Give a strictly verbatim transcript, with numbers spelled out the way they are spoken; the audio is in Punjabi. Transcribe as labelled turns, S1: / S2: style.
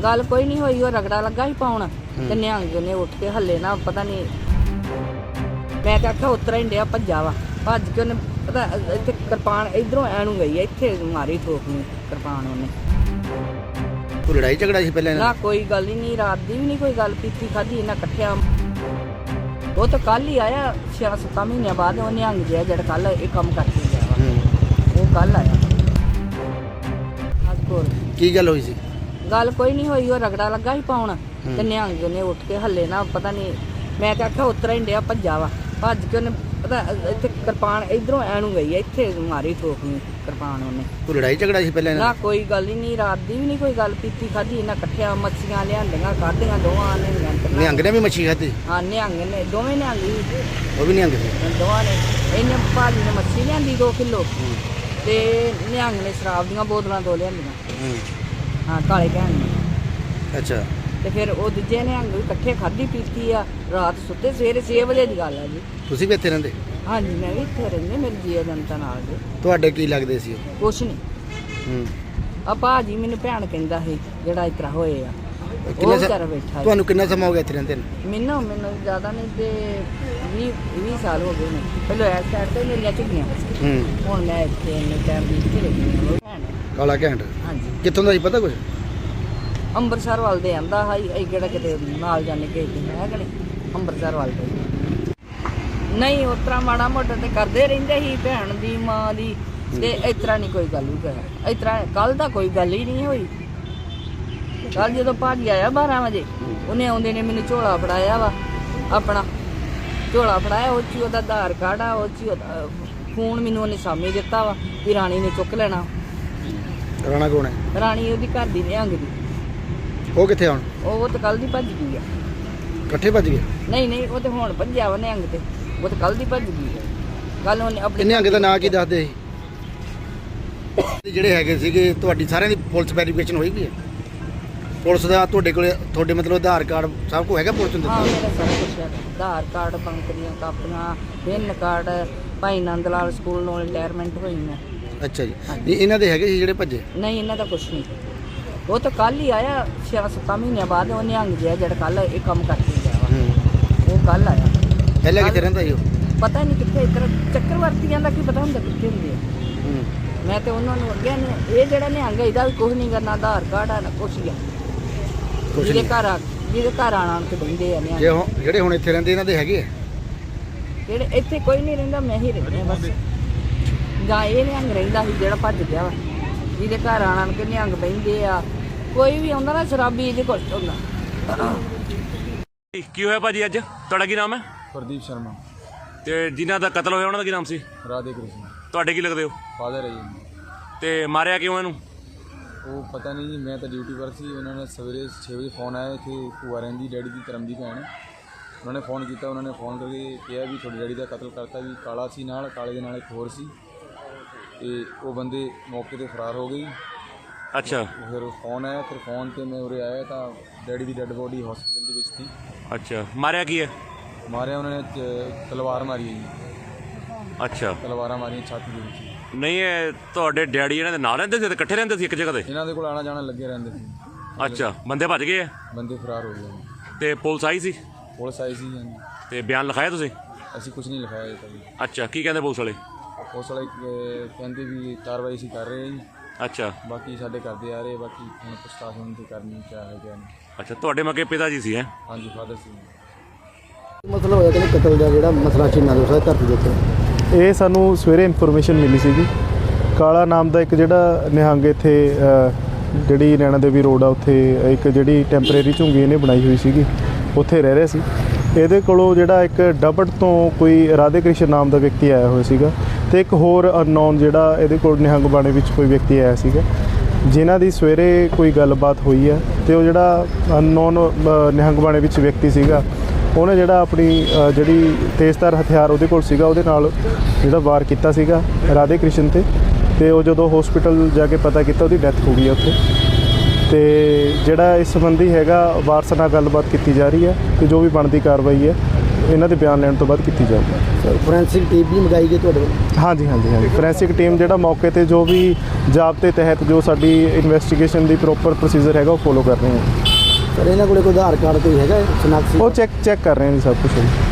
S1: गल कोई नहीं हुई, रगड़ा लगा ही पाउन ते निहंग ने उठ के हल्ले ना पता नहीं, मैं तो आख्या उतरा ही डिया भज्जा वा, भज के उन्हें पता इत्थे किरपान इधरों ऐनू गई है, इत्थे मारी ठोकनी किरपान उन्हें।
S2: कोई लड़ाई झगड़ा सी पहले
S1: ना कोई गल ही नहीं, रात दी भी नहीं कोई गल पीती खाधी इन्हें कट्ठिया। वो तो कल ही आया छे सत्त महीने बाद, वो निहंग जिहा जेड़ा कल ये कम करके गया वा, वो कल आया।
S2: की गल हुई सी?
S1: गल कोई नहीं हुई, रगड़ा लगा ही पाउन ते निहंग ने उठ के हल्ले ना पता नहीं, मैं तो आख्या उतरा ही डिया भज्जा वा, भज के उन्हें पता इत्थे किरपान इधरों ऐनू गई है, इत्थे मारी ठोकनी किरपान उन्हें।
S2: कोई लड़ाई झगड़ा सी पहले
S1: ना कोई गल ही नहीं, रात दी भी नहीं कोई गल पीती खाधी इन्हें कट्ठिया। मच्छियां लियांदियां खादियां दोवां ने।
S2: निहंग ने भी मच्छी खाधी?
S1: हाँ निहंग ने, दोवें निहंग ही,
S2: वो भी निहंग सी
S1: दोवां ने। इन्हें भाजी ने मच्छी लियांदी दो किलो ते निहंग ने शराब दियां बोतलां दो लियांदियां। हाँ काले भैन ने।
S2: अच्छा।
S1: ते फिर वो दूजे निहंग भी कट्ठे खाधी पीती आ, रात सुते सवेरे छे बजे की गल है जी।
S2: ਤੁਸੀਂ ਵੀ ਇੱਥੇ ਰਹਿੰਦੇ?
S1: हाँ जी मैं भी इत्थे रहिंदी, मेरी जीआ जनता नाल जी।
S2: ਤੁਹਾਡੇ ਕੀ ਲੱਗਦੇ ਸੀ?
S1: कुछ नहीं,
S2: ਹੂੰ।
S1: आ भाजी मैनू भैन कहंदा ਸੀ ਜਿਹੜਾ ਇਸ ਤਰ੍ਹਾਂ ਹੋਏ ਆ, ਉਹ
S2: ਕਿੰਨਾ
S1: ਵਿਚਾਰਾ ਬੈਠਾ ਸੀ।
S2: ਤੁਹਾਨੂੰ ਕਿੰਨਾ ਸਮਾਂ ਹੋ ਗਿਆ ਇੱਥੇ ਰਹਿੰਦੇ ਨੂੰ?
S1: ਮੈਨੂੰ ਮੈਨੂੰ ਜ਼ਿਆਦਾ ਨਹੀਂ ਤੇ ਵੀਹ ਵੀਹ ਸਾਲ ਹੋ ਗਏ ਨੇ। ਪਹਿਲਾਂ ਇਸ ਸਾਈਡ ਤੇ ਮੇਰੀਆਂ ਝੁੱਗੀਆਂ,
S2: ਹੂੰ।
S1: ਹੁਣ ਮੈਂ ਇੱਥੇ ਇੰਨੇ ਟਾਈਮ ਦੀ ਇੱਥੇ ਰਹੀ ਹਾਂ। ਉਹ ਭੈਣ
S2: ਕਾਲਾ ਘੈਂਟ
S1: ਹਾਂਜੀ
S2: ਕਿੱਥੋਂ ਦਾ ਸੀ ਪਤਾ ਕੁਝ?
S1: ਅੰਮ੍ਰਿਤਸਰ ਵੱਲ ਦੇ ਆਂਦਾ ਹਾਂ ਇਹ ਕਿਹੜਾ ਕਿਤੇ ਨਾਲ ਜਾਣੇ ਕਿਸੇ ਹੈ ਕਿ ਨਹੀਂ ਅੰਮ੍ਰਿਤਸਰ ਵੱਲ ਤੋਂ। ਨਹੀਂ ਉਸ ਤਰ੍ਹਾਂ ਮਾੜਾ ਮੋਟਾ ਤੇ ਕਰਦੇ ਰਹਿੰਦੇ ਸੀ ਭੈਣ ਦੀ ਮਾਂ ਦੀ, ਤੇ ਇਸ ਤਰ੍ਹਾਂ ਨਹੀਂ ਕੋਈ ਗੱਲ ਵੀ ਕਰਿਆ। ਇਸ ਤਰ੍ਹਾਂ ਕੱਲ ਦਾ ਕੋਈ ਗੱਲ ਹੀ ਨਹੀਂ ਹੋਈ। ਕੱਲ ਜਦੋਂ ਭਾਜੀ ਆਇਆ ਬਾਰਾਂ ਵਜੇ, ਉਹਨੇ ਆਉਂਦੇ ਨੇ ਮੈਨੂੰ ਝੋਲਾ ਫੜਾਇਆ ਵਾ, ਆਪਣਾ ਝੋਲਾ ਫੜਾਇਆ, ਉਹ 'ਚ ਹੀ ਉਹਦਾ ਆਧਾਰ ਕਾਰਡ ਆ, ਉਹ 'ਚ ਹੀ ਉਹਦਾ ਫੋਨ ਮੈਨੂੰ ਉਹਨੇ ਸਾਹਮਣੇ ਦਿੱਤਾ ਵਾ ਵੀ ਰਾਣੀ ਨੇ ਚੁੱਕ ਲੈਣਾ।
S2: ਰਾਣਾ ਕੌਣ ਹੈ?
S1: ਰਾਣੀ ਉਹਦੀ ਘਰ ਦੀ ਨਿਹੰਗ ਦੀ।
S2: ਉਹ ਕਿੱਥੇ ਹੁਣ?
S1: ਉਹ ਤਾਂ ਕੱਲ ਦੀ ਭੱਜ ਗਈ ਆ।
S2: ਇਕੱਠੇ ਭੱਜ ਗਏ?
S1: ਨਹੀਂ ਨਹੀਂ ਉਹ ਤੇ ਹੁਣ ਭੱਜਿਆ ਵਾ ਨਿਹੰਗ ਤੇ, ਉਹ ਤਾਂ ਕੱਲ ਦੀ ਭੱਜ ਗਈ ਆ। ਕੱਲ ਉਹਨੇ ਆਪਣੇ
S2: ਨਿਹੰਗ ਦਾ ਨਾਂ ਕੀ ਦੱਸਦੇ ਸੀ? ਜਿਹੜੇ ਹੈਗੇ ਸੀਗੇ ਤੁਹਾਡੀ ਸਾਰਿਆਂ ਦੀ ਪੁਲਿਸ ਵੈਰੀਫਿਕੇਸ਼ਨ ਹੋਈ ਵੀ ਹੈ? ਪੁਲਿਸ ਦਾ ਤੁਹਾਡੇ ਕੋਲ ਤੁਹਾਡੇ ਮਤਲਬ ਆਧਾਰ ਕਾਰਡ ਸਭ ਕੁਝ ਹੈਗਾ ਪੁਲਿਸ ਨੂੰ
S1: ਹਾਂ
S2: ਦਿੱਤਾ?
S1: ਮੇਰਾ ਸਾਰਾ ਕੁਛ ਹੈ, ਆਧਾਰ ਕਾਰਡ, ਬੈਂਕ ਦੀਆਂ ਕਾਪੀਆਂ, PAN card, Bhai Nand Lal school ਨੂੰ ਰਿਟਾਇਰਮੈਂਟ ਹੋਈ ਮੈਂ।
S2: ਅੱਛਾ ਜੀ। ਇਹ ਇਹਨਾਂ ਦੇ ਹੈਗੇ ਸੀ ਜਿਹੜੇ ਭੱਜੇ?
S1: ਨਹੀਂ ਇਹਨਾਂ ਦਾ ਕੁਛ ਨਹੀਂ, ਉਹ ਤਾਂ ਕੱਲ ਹੀ ਆਇਆ ਛੇ ਸੱਤ ਮਹੀਨਿਆਂ ਬਾਅਦ। ਉਹ ਨਿਹੰਗ ਜਿਹਾ ਜਿਹੜਾ ਕੱਲ ਇਹ ਕੰਮ ਕਰਕੇ ਗਿਆ ਵਾ, ਉਹ ਕੱਲ ਆਇਆ।
S2: ਪਹਿਲਾਂ ਕਿੱਥੇ ਰਹਿੰਦਾ ਸੀ ਉਹ?
S1: ਪਤਾ ਨਹੀਂ ਕਿੱਥੇ, ਇੱਧਰ ਚੱਕਰਵਰਤੀਆਂ ਦਾ ਕੀ ਪਤਾ ਹੁੰਦਾ ਕਿੱਥੇ ਹੁੰਦੇ ਆ।
S2: ਹੂੰ।
S1: ਮੈਂ ਤੇ ਉਹਨਾਂ ਨੂੰ ਅੱਗੇ ਨੇ ਇਹ ਜਿਹੜਾ ਨਿਹੰਗ ਇਹਦਾ ਵੀ ਕੁਛ ਨਹੀਂ ਕਰਨਾ, ਆਧਾਰ ਕਾਰਡ ਆ ਨਾ ਕੁਛ ਹੀ ਆ। ਜਿਹਦੇ ਘਰ ਆ ਜਿਹਦੇ ਘਰ ਆਣ ਆਣ ਕੇ ਬਹਿੰਦੇ ਆ ਨਿਹੰਗ।
S2: ਜੇ ਹੁਣ ਜਿਹੜੇ ਹੁਣ ਇੱਥੇ ਰਹਿੰਦੇ ਇਹਨਾਂ ਦੇ ਹੈਗੇ ਆ?
S1: ਜਿਹੜੇ ਇੱਥੇ ਕੋਈ ਨਹੀਂ ਰਹਿੰਦਾ, ਮੈਂ ਹੀ ਰਹਿੰਦੀ ਹਾਂ ਬਸ। ਜਾਂ ਇਹ ਨਿਹੰਗ ਰਹਿੰਦਾ ਸੀ ਜਿਹੜਾ ਭੱਜ ਗਿਆ ਵਾ, ਜਿਹਦੇ ਘਰ ਆਣ ਆਣ ਕੇ ਨਿਹੰਗ ਬਹਿੰਦੇ ਆ। ਕੋਈ ਵੀ ਆਉਂਦਾ ਨਾ ਸ਼ਰਾਬੀ ਇਹਦੇ ਕੋਲ ਹੁੰਦਾ।
S3: ਕੀ ਹੋਇਆ ਭਾਜੀ ਅੱਜ? ਤੁਹਾਡਾ ਕੀ ਨਾਮ ਹੈ?
S4: ਪ੍ਰਦੀਪ ਸ਼ਰਮਾ।
S3: ਤੇ ਜਿਨ੍ਹਾਂ ਦਾ ਕਤਲ ਹੋਇਆ ਉਹਨਾਂ ਦਾ ਕੀ ਨਾਮ ਸੀ?
S4: ਰਾਧੇ ਕ੍ਰਿਸ਼ਨ।
S3: ਤੁਹਾਡੇ ਕੀ ਲੱਗਦੇ ਹੋ?
S4: ਫਾਦਰ ਹੈ ਜੀ।
S3: ਤੇ ਮਾਰਿਆ ਕਿਉਂ ਇਹਨੂੰ?
S4: ਉਹ ਪਤਾ ਨਹੀਂ ਜੀ, ਮੈਂ ਤਾਂ ਡਿਊਟੀ ਪਰ ਸੀ। ਉਹਨਾਂ ਨੇ ਸਵੇਰੇ ਛੇ ਵਜੇ ਫੋਨ ਆਇਆ, ਇੱਥੇ ਭੂਆ ਰਹਿੰਦੀ ਡੈਡੀ ਦੀ ਧਰਮ ਦੀ ਭੈਣ, ਉਹਨਾਂ ਨੇ ਫ਼ੋਨ ਕੀਤਾ। ਉਹਨਾਂ ਨੇ ਫ਼ੋਨ ਕਰਕੇ ਕਿਹਾ ਵੀ ਤੁਹਾਡੇ ਡੈਡੀ ਦਾ ਕਤਲ ਕਰਤਾ, ਵੀ ਕਾਲਾ ਸੀ ਨਾਲ, ਕਾਲੇ ਦੇ ਨਾਲ ਇੱਕ ਹੋਰ ਸੀ, ਤੇ ਉਹ ਬੰਦੇ ਮੌਕੇ 'ਤੇ ਫਰਾਰ ਹੋ ਗਏ।
S3: ਅੱਛਾ।
S4: ਫਿਰ ਫੋਨ ਆਇਆ, ਫਿਰ ਫੋਨ 'ਤੇ ਮੈਂ ਉਰੇ ਆਇਆ ਤਾਂ ਡੈਡੀ ਦੀ ਡੈੱਡ ਬੋਡੀ ਹਸਪੀਟਲ ਦੇ ਵਿੱਚ ਸੀ।
S3: ਅੱਛਾ। ਮਾਰਿਆ ਕੀ ਹੈ?
S4: ਮਾਰਿਆ ਉਹਨਾਂ ਨੇ ਚ- ਤਲਵਾਰ ਮਾਰੀ ਹੈ ਜੀ।
S3: ਅੱਛਾ।
S4: ਤਲਵਾਰਾਂ ਮਾਰੀਆਂ ਛਾਤੀ ਦੇ ਵਿੱਚ।
S3: ਨਹੀਂ ਇਹ ਤੁਹਾਡੇ ਡੈਡੀ ਇਹਨਾਂ ਦੇ ਨਾਲ ਰਹਿੰਦੇ ਸੀ ਤੇ ਇਕੱਠੇ ਰਹਿੰਦੇ ਸੀ ਇੱਕ ਜਗ੍ਹਾ ਤੇ?
S4: ਇਹਨਾਂ ਦੇ ਕੋਲ ਆਣਾ ਜਾਣਾ ਲੱਗੇ ਰਹਿੰਦੇ ਸੀ।
S3: ਅੱਛਾ। ਬੰਦੇ ਭੱਜ ਗਏ ਆ?
S4: ਬੰਦੇ ਫਰਾਰ ਹੋ ਗਏ।
S3: ਤੇ ਪੁਲਿਸ ਆਈ ਸੀ?
S4: ਪੁਲਿਸ ਆਈ ਸੀ ਹਾਂਜੀ।
S3: ਤੇ ਬਿਆਨ ਲਿਖਾਇਆ ਤੁਸੀਂ?
S4: ਅਸੀਂ ਕੁਝ ਨਹੀਂ ਲਿਖਾਇਆ ਜੀ ਕਦੀ।
S3: ਅੱਛਾ। ਕੀ ਕਹਿੰਦੇ ਪੁਲਿਸ ਵਾਲੇ?
S4: ਪੁਲਿਸ ਵਾਲੇ ਅਹ, ਕਹਿੰਦੇ ਵੀ ਕਾਰਵਾਈ ਅਸੀਂ ਕਰ ਰਹੇ ਹਾਂ ਜੀ,
S3: ਅੱਛਾ।
S4: ਬਾਕੀ ਸਾਡੇ ਕਰਦੇ ਆ ਰਹੇ, ਬਾਕੀ ਹੁਣ ਪ੍ਰਸ਼ਾਸਨ ਤੇ ਕਰਨੀ ਕਿਆ ਹੈ ਕਿਆ ਨਹੀਂ।
S3: ਅੱਛਾ। ਤੁਹਾਡੇ ਮੱਕੇ ਪਿਤਾ ਜੀ ਸੀ? ਹੈ
S4: ਹਾਂਜੀ ਫਾਦਰ ਸੀ।
S2: ਮਤਲਬ ਹੋਇਆ ਕਿ ਕਤਲ ਦਾ ਜਿਹੜਾ ਮਸਲਾ ਚੀਨਾ ਦੇ ਉਸ ਧਰਤੀ ਦੇ ਉੱਤੇ
S5: ਇਹ ਸਾਨੂੰ ਸਵੇਰੇ ਇਨਫੋਰਮੇਸ਼ਨ ਮਿਲੀ ਸੀਗੀ। ਕਾਲਾ ਨਾਮ ਦਾ ਇੱਕ ਜਿਹੜਾ ਨਿਹੰਗ ਇੱਥੇ ਜਿਹੜੀ ਨੈਣਾ ਦੇਵੀ ਰੋਡ ਆ ਉੱਥੇ ਇੱਕ ਜਿਹੜੀ ਟੈਂਪਰੇਰੀ ਝੁੰਗੀ ਇਹਨੇ ਬਣਾਈ ਹੋਈ ਸੀਗੀ, ਉੱਥੇ ਰਹਿ ਰਿਹਾ ਸੀ। ਇਹਦੇ ਕੋਲੋਂ ਜਿਹੜਾ ਇੱਕ ਡਬਟ ਤੋਂ ਕੋਈ ਰਾਧੇ ਕ੍ਰਿਸ਼ਨ ਨਾਮ ਦਾ ਵਿਅਕਤੀ ਆਇਆ ਹੋਇਆ ਸੀਗਾ, ਤੇ ਇੱਕ ਹੋਰ ਅਨਨੋਨ ਜਿਹੜਾ ਇਹਦੇ ਕੋਲ ਨਿਹੰਗ ਬਾਣੇ ਵਿੱਚ ਕੋਈ ਵਿਅਕਤੀ ਆਇਆ ਸੀਗਾ, ਜਿਨ੍ਹਾਂ ਦੀ ਸਵੇਰੇ ਕੋਈ ਗੱਲਬਾਤ ਹੋਈ ਹੈ। ਤੇ ਉਹ ਜਿਹੜਾ ਅਨਨੋਨ ਨਿਹੰਗ ਬਾਣੇ ਵਿੱਚ ਵਿਅਕਤੀ ਸੀਗਾ, ਉਹਨੇ ਜਿਹੜਾ ਆਪਣੀ ਜਿਹੜੀ ਤੇਜ਼ਧਾਰ ਹਥਿਆਰ ਉਹਦੇ ਕੋਲ ਸੀਗਾ, ਉਹਦੇ ਨਾਲ ਜਿਹੜਾ ਵਾਰ ਕੀਤਾ ਸੀਗਾ ਰਾਧੇ ਕ੍ਰਿਸ਼ਨ 'ਤੇ। ਤੇ ਉਹ ਜਦੋਂ ਹਸਪੀਟਲ ਜਾ ਕੇ ਪਤਾ ਕੀਤਾ ਉਹਦੀ ਡੈਥ ਹੋ ਗਈ ਹੈ ਉੱਥੇ। ਤੇ ਜਿਹੜਾ ਇਸ ਸੰਬੰਧੀ ਹੈਗਾ ਵਾਰਸਾਂ ਨਾਲ ਗੱਲਬਾਤ ਕੀਤੀ ਜਾ ਰਹੀ ਹੈ, ਤੇ ਜੋ ਵੀ ਬਣਦੀ ਕਾਰਵਾਈ ਹੈ ਇਹਨਾਂ ਦੇ ਬਿਆਨ ਲੈਣ ਤੋਂ ਬਾਅਦ ਕੀਤੀ ਜਾਊਗੀ।
S2: ਸਰ ਫੋਰੈਂਸਿਕ ਟੀਮ ਵੀ ਮੰਗਾਈ ਗਈ ਤੁਹਾਡੇ ਵੱਲੋਂ?
S5: ਹਾਂਜੀ ਹਾਂਜੀ ਹਾਂਜੀ ਫੋਰੈਂਸਿਕ ਟੀਮ ਜਿਹੜਾ ਮੌਕੇ ਤੇ ਜੋ ਵੀ ਜ਼ਾਬਤੇ ਤਹਿਤ ਜੋ ਸਾਡੀ ਇਨਵੈਸਟੀਗੇਸ਼ਨ ਦੀ ਪ੍ਰੋਪਰ ਪ੍ਰੋਸੀਜਰ ਹੈਗਾ ਉਹ ਫੋਲੋ ਕਰ ਰਹੇ ਹਾਂ।
S2: ਸਰ ਇਹਨਾਂ ਕੋਲੇ ਕੋਈ ਆਧਾਰ ਕਾਰਡ ਕੋਈ ਹੈਗਾ ਸ਼ਨਾਖਤੀ?
S5: ਉਹ ਚੈੱਕ ਚੈੱਕ ਕਰ ਰਹੇ ਹਾਂ ਜੀ ਸਭ ਕੁਛ।